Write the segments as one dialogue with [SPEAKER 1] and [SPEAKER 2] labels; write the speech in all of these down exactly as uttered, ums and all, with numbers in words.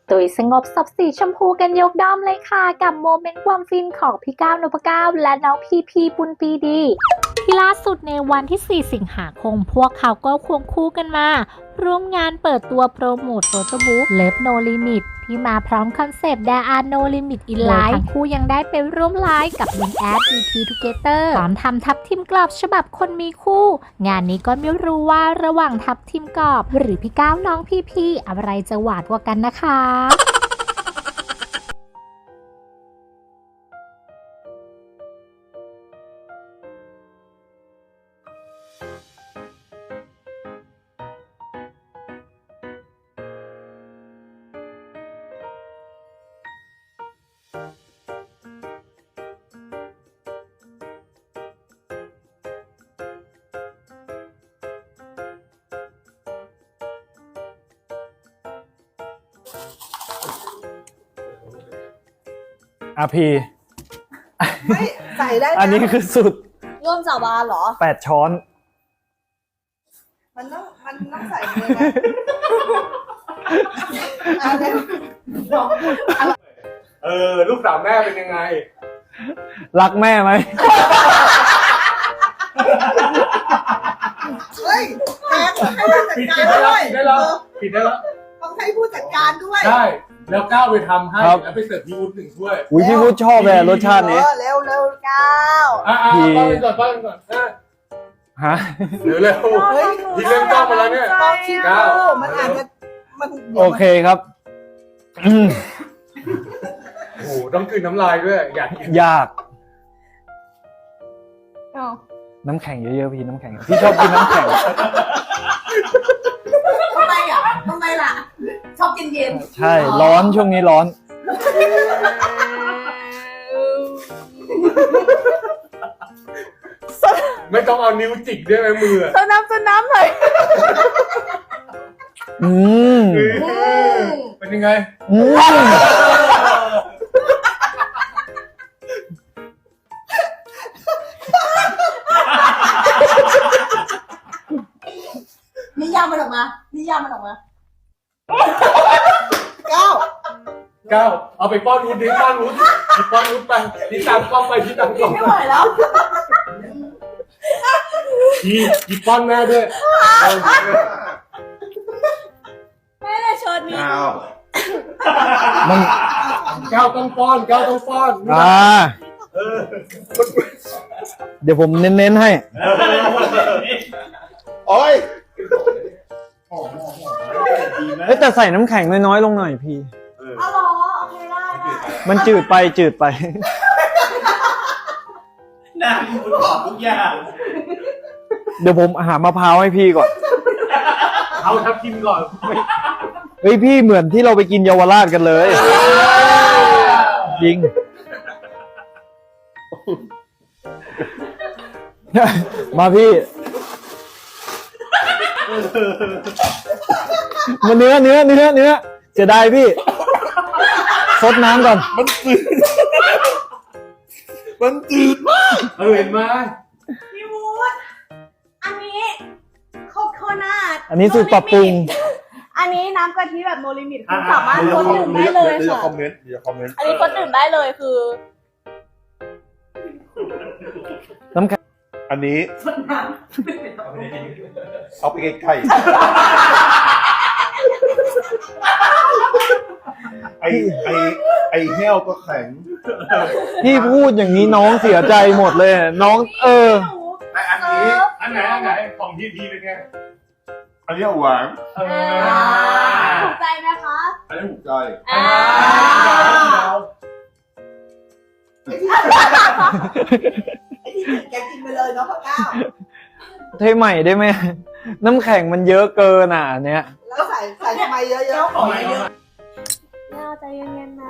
[SPEAKER 1] ตุยสงบศพสีชมพูกันยกด้อมเลยค่ะกับโมเมนต์ความฟินของพี่ก้าวนพเก้าและน้องพีพีปุณปีดีที่ล่าสุดในวันที่สี่สิงหาคมพวกเขาก็ควงคู่กันมาร่วมงานเปิดตัวโปรโมทโฟโต้บุ๊ก Love No Limit ที่มาพร้อมคอนเซปต์ There are no limit in life ทั้งคู่ยังได้ไปร่วมไลฟ์กับลิงแอด บี ที Together พร้อมทำทับทิมกรอบฉบับคนมีคู่ งานนี้ก็ไม่รู้ว่าระหว่างทับทิมกรอบหรือพี่ก้าวน้องพีพีอะไรจะหวานกว่ากันนะคะ
[SPEAKER 2] อาพี
[SPEAKER 3] ไม่ใส่ได้นะ
[SPEAKER 2] อันนี้คือสุด
[SPEAKER 3] ร่วมสาบานเหรอ
[SPEAKER 2] แปดช้อน
[SPEAKER 3] มันต้องมันต้องใส่เลยนะอะไร
[SPEAKER 4] เออลูกสาวแม่เป็นยังไง
[SPEAKER 2] รักแม่ไหม
[SPEAKER 3] เฮ้ยแท็กให้ผู้จัด
[SPEAKER 4] ปิด
[SPEAKER 3] การ
[SPEAKER 4] ได้
[SPEAKER 3] ด้วย
[SPEAKER 4] แล้วปิดได้แล้วปิดได้แล้ว
[SPEAKER 3] ต้องให้ผู้จัดการด้วย
[SPEAKER 4] ใช่แล้วก้าวไปทำให้
[SPEAKER 2] ครับ
[SPEAKER 4] แล้วไปเสิร์ฟพี่วุฒิหนึ่งถ้วย
[SPEAKER 2] อุ้ยพี่พูดชอบเลยรสชาตินี้
[SPEAKER 3] เออเร็วเร็วก้าว
[SPEAKER 4] อ่ะอ่ะ
[SPEAKER 2] พี่
[SPEAKER 4] ป้อนไปก่อนป้อนไปก่อนอ่ะ
[SPEAKER 2] ฮะ
[SPEAKER 4] เร็วเร็ว
[SPEAKER 3] เฮ้ย
[SPEAKER 4] พี่เล่นกล้องมาแล้วเนี่ย
[SPEAKER 3] ลองชิม
[SPEAKER 4] ก้าว
[SPEAKER 3] ดูมันอาจจะมัน
[SPEAKER 2] โอเคครับอืม
[SPEAKER 4] โอ้โหต้องกลืนน้ำลายด้วยอยากกิน
[SPEAKER 2] ยาก
[SPEAKER 3] อ้าว
[SPEAKER 2] น้ำแข็งเยอะๆพี่น้ำแข็ง พี่ชอบกินน้ำแข็ง
[SPEAKER 3] ทำไมอ่ะทำไมล่ะ ชอบกินเย็น
[SPEAKER 2] ใช่ ร้อนช่วงนี้ร้อน
[SPEAKER 4] ไม่ต้องเอานิ้วจิกด้วยไหมมืออะ
[SPEAKER 3] สน้ำสน้ำหน่อย
[SPEAKER 2] อืม
[SPEAKER 4] เออเป็นยังไง
[SPEAKER 2] อืม
[SPEAKER 3] นิยามมันออกมานิยามมันออกมาก้าว
[SPEAKER 4] ก้าวเอาไปป้อนวุฒิดิป้อนวุฒิป้อนวุฒิไปนี่ตามกล้องไปที่ตามกล้อง
[SPEAKER 3] ไม่
[SPEAKER 4] ไป
[SPEAKER 3] ไหวแล้ว
[SPEAKER 4] พี่พี่ป้อนแม่ด้วย
[SPEAKER 3] แม่เชิญนี่
[SPEAKER 2] มัน
[SPEAKER 4] ก้าวต้องป้อนก้าวต้องป้อน
[SPEAKER 2] อ่า
[SPEAKER 4] เออ
[SPEAKER 2] เดี๋ยวผมเน้นๆให้
[SPEAKER 4] โอ้ย
[SPEAKER 2] เฮ้ยแต่ใส่น้ำแข็งน้อยๆลงหน่อยพี่
[SPEAKER 3] อ๋อเหรอโอเคได้ได้
[SPEAKER 2] มันจืดไปจืดไป
[SPEAKER 5] น่าพูดตอบทุกอย่าง
[SPEAKER 2] เดี๋ยวผมหามะพร้าวให้พี่ก่อน
[SPEAKER 4] เอาทับทิมก่อน
[SPEAKER 2] เฮ้ยพี่เหมือนที่เราไปกินเยาวราชกันเลย จริง มาพี่ มาเนื้อเนื้อเนื้อเนื้อเสียดายพี่ซดน้ำก่อน
[SPEAKER 4] มันจืดมากเออเห็นไหม
[SPEAKER 3] พี่วูดอันนี้โคโคนัท
[SPEAKER 2] อันนี้สูตรปรับปรุง
[SPEAKER 3] อันนี้น้ำกะทิแบบโนลิมิตคือสามารถคนดื่มได้เลย
[SPEAKER 4] เดี๋ยว
[SPEAKER 3] ค่ะ
[SPEAKER 4] คอมเมนต์เดี๋ยวคอมเมนต์
[SPEAKER 3] อันนี้คนดื่มได้เลยคือ
[SPEAKER 2] น้ำแข็ง
[SPEAKER 6] อันนี้เอาไปไกลๆไอไอไอแห้วก็แข็ง
[SPEAKER 2] พี่พูดอย่างนี้น้องเสียใจหมดเลย น้องเออ
[SPEAKER 6] แต่อันนี้
[SPEAKER 4] อันไหนอันไหนของพีพีเป็นไง
[SPEAKER 6] อันนี้หวาน
[SPEAKER 4] เออ
[SPEAKER 3] ถูกใจไหมคะ
[SPEAKER 6] อันนี้ถูกใจ
[SPEAKER 3] อ่า ไอ้ที่แกกินไปเลยเนาะพ่อก้าว
[SPEAKER 2] เทใหม่ได้ไหมน้ำแข็งมันเยอะเกินอ่ะอันเนี้ย
[SPEAKER 3] แล้วใส่ใส่ทำไมเยอะๆ
[SPEAKER 5] ขอเยอะ
[SPEAKER 3] น่าใจเย็นๆนะ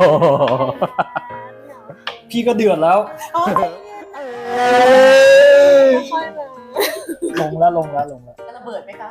[SPEAKER 2] พี่ก็เดือดแล้ว
[SPEAKER 3] ค่อยมา
[SPEAKER 2] ลงแล้วลงแล้วลงแล้ว
[SPEAKER 3] จะระเบิดไหมคะ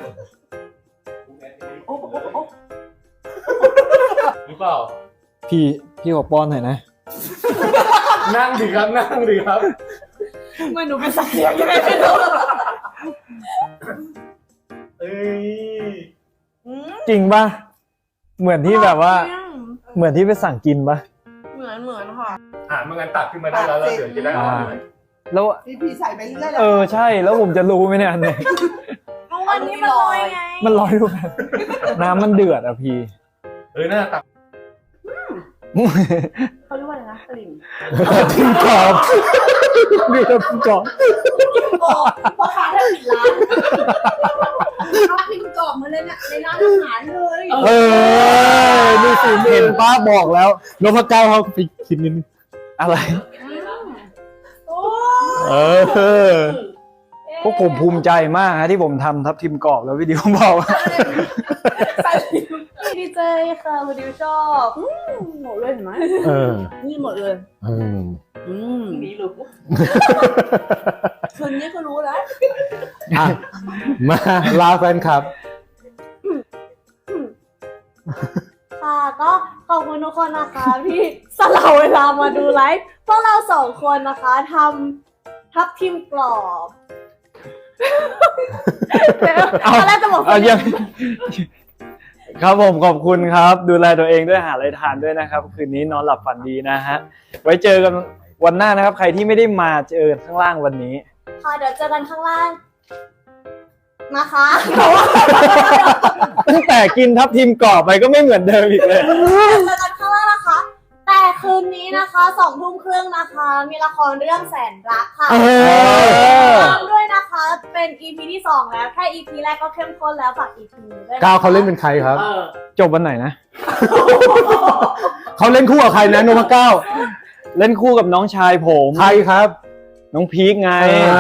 [SPEAKER 4] หรือเปล่า
[SPEAKER 2] พี่พี่ขอป้อนหน่อยนะ
[SPEAKER 4] นั่งดิครับนั่งดิครับ
[SPEAKER 3] ไม่หนูเป็นสัตว์เลี้ยงยังไงไม่รู้
[SPEAKER 4] เอ้ย
[SPEAKER 2] จริงป่ะเหมือนที่แบบว่า เหมือนที่ไปสั่งกินปะ
[SPEAKER 3] เหมือนเหมือนค่ะ
[SPEAKER 4] อ่ามันงั้นตักขึ้นมาได้แล้วแล้วเดี๋ยวจะได้อร่อย
[SPEAKER 2] แล้ว
[SPEAKER 3] พี่พีใส่ไปเรื่อย
[SPEAKER 2] เออใช่แล้วผมจะรู้ไหมเนี่ยอันไหน
[SPEAKER 3] เอาวันนี้มันลอยไง
[SPEAKER 2] มันลอยดูกันน้ำมันเดือดอะพี่
[SPEAKER 4] เออน่าตัก
[SPEAKER 3] เขาเรียกว่าอะไรนะสลิม
[SPEAKER 2] ทิมกรอบมีแต่ทิมกรอบ
[SPEAKER 3] โอ้พ่อค้าแทบปิดร้านเอาพิมพ์กรอบมาเลยเนี่ยในร้านอาหารเลย
[SPEAKER 2] เออนี่สิเห็นป้าบอกแล้วนพเก้าเขาไปคิดนิดนึงอะไร
[SPEAKER 3] โอ้
[SPEAKER 2] เออพวกผมภูมิใจมากฮะที่ผมทำทับทิมกรอบแล้ววิดีโอบอกว่า
[SPEAKER 3] สลิมดีใจค่ะวันนี้ชอบอืมหมดเลยเห็นไหม
[SPEAKER 2] เออ
[SPEAKER 3] นี่หมดเลย
[SPEAKER 2] อืม
[SPEAKER 3] อืมนี่รู้คืนนี้ก็รู้แล้ว
[SPEAKER 2] อ่ะมาลาแฟนคลับ
[SPEAKER 3] ค่ะก็ขอบคุณทุกคนนะคะที่สละเวลามาดูไลฟ์พวกเราสองคนนะคะทำทับทิมกรอบเดี๋ยวตอนแรกจะบอก
[SPEAKER 2] เอายังครับผมขอบคุณครับ ดูแลตัวเองด้วยหาอะไรทานด้วยนะครับ คืนนี้นอนหลับฝันดีนะฮะ ไว้เจอกันวันหน้านะครับ ใครที่ไม่ได้มาเจอกันข้างล่างวันนี้
[SPEAKER 3] ค่ะเดี๋ยวเจอกันข้างล่างนะคะ
[SPEAKER 2] ตั้งแต่กินทับทิมกรอบไปก็ไม่เหมือนเดิมอีกเลย
[SPEAKER 3] เจอกันข้างล่างนะคะ แต่คืนนี้นะคะสองทุ่มครึ่งนะคะ มีละครเรื่องแสนรักค่ะ
[SPEAKER 2] เออ
[SPEAKER 3] ตามด้วยนะคะ เป็น อี พี ที่สองแล้วแค่ อี พี แรกก็เข้มข้นแล้วฝาก อี พี นี้ด้วยนะคะ
[SPEAKER 2] ก้าวเขาเล่นเป็นใครครับ จบวันไหนนะ เขาเล่นคู่กับใครนะนพเก้า เล่นคู่กับน้องชายผมใครครับ น้องพีคไง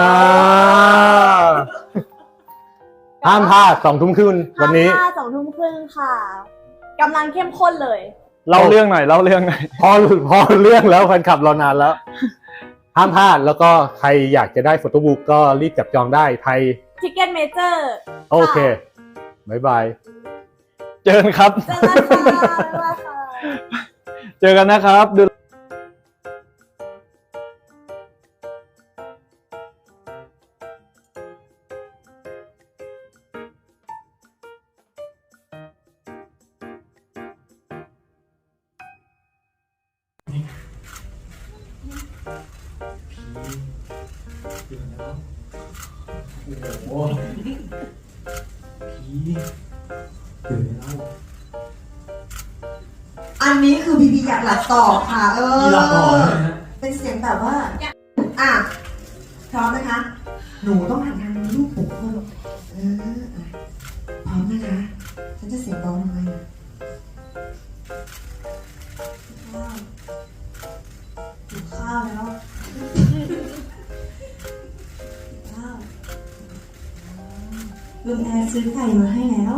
[SPEAKER 2] ห้ามพลาดสองทุ่มครึ่งวันนี้
[SPEAKER 3] ห้าสองทุ่มครึ่งค่ะกำลังเข้มข้นเลย
[SPEAKER 2] เล่าเรื่องหน่อยเล่าเรื่องหน่อย
[SPEAKER 7] พอพอเรื่องแล้วแฟนคลับรอนานแล้ว ห้ามพลาดแล้วก็ใครอยากจะได้โฟโต้บุ๊กก็รีบจับจองได้ไทย
[SPEAKER 3] ทิกเก็ตเมเจอร์
[SPEAKER 7] โอเคบายบาย
[SPEAKER 2] เจอกันครับ
[SPEAKER 3] เจอกันค่ะบ๊ายบายค่ะ
[SPEAKER 2] เจอกันนะครับดู
[SPEAKER 8] อันนี้คือพีพีอยากหลับต่อค่ะ เออ เป็นเสียงแบบว่า อ่ะ พร้อมนะคะ หนูต้องหันทางลูกผมเพิ่มเอออ่ะพร้อมนะคะ ฉันจะเสียงเบาทำไมนะข้าวหิวข้าวแล้วข้าวลุงแอร์ซื้อไก่มาให้แล้ว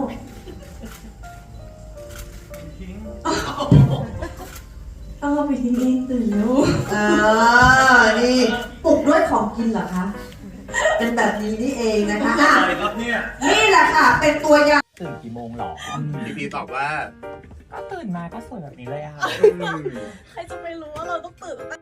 [SPEAKER 8] ต้องเอาไปทิ้งเองตื่นแล้วเออ นี่ปลุกด้วยของกินเหรอคะ เป็นแบบนี้นี่เองนะคะอ่ะ
[SPEAKER 5] อะไรครับเนี่ย
[SPEAKER 8] นี่แหละค่ะ เป็นตัวอย่าง
[SPEAKER 9] ตื่นกี่โมงหรอ
[SPEAKER 5] พี่พีตอบว่า
[SPEAKER 9] ก็ตื่นมาก็สวยแบบนี้เลยอะค่ะ
[SPEAKER 3] ใครจะไปรู้ว่าเราต้องตื่นตั้งแต่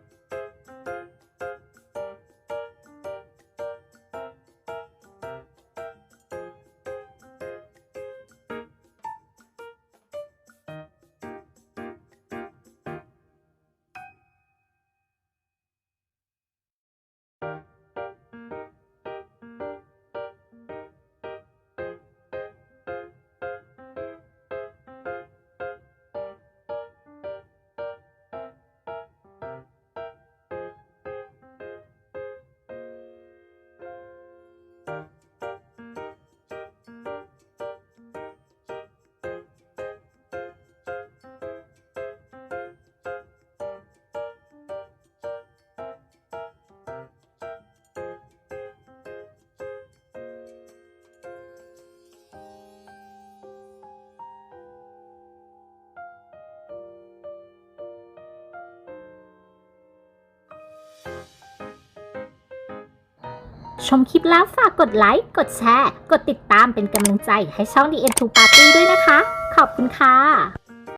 [SPEAKER 1] ชมคลิปแล้วฝากกดไลค์ กดแชร์ กดติดตามเป็นกำลังใจให้ช่อง ดี เอ็ม ทู Party ด้วยนะคะ ขอบคุณค่ะ